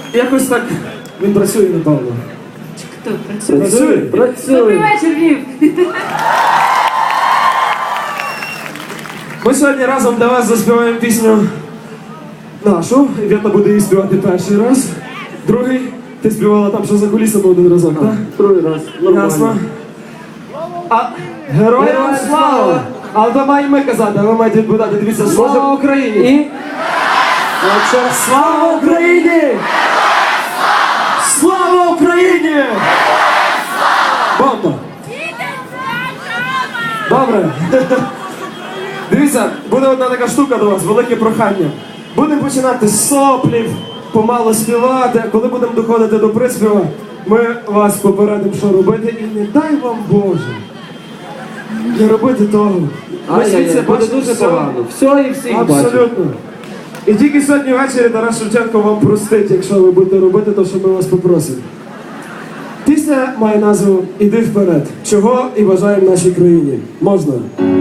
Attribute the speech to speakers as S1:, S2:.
S1: якось так він працює, напевно.
S2: Хто працює?
S1: Працює.
S2: Добрий вечір, Львів!
S1: Ми сьогодні разом для вас заспіваємо пісню нашу. Івета буде її співати перший раз. Другий, ти співала там, що за кулісами один разок, так?
S3: Другий раз.
S1: Ясно. А героям слава! Але то маємо ми казати, а ви маєте відповідати. Дивіться, слава Україні! І? Слава Україні! Слава Україні! Бомба! Добре. Дивіться, буде одна така штука до вас, велике прохання. Будемо починати з соплів, помало співати. Коли будемо доходити до приспіва, ми вас попередимо, що робити. І не дай вам Боже не робити того. Ми звідси
S3: Буде
S1: бачимо
S3: дуже
S1: все.
S3: погано. Все і всіх бачимо.
S1: Абсолютно. І тільки сьогодні ввечері Тарас Шевченко вам простить, якщо ви будете робити те, що ми вас попросимо. Пісня має назву «Іди вперед». Чого і бажаємо нашій країні. Можна?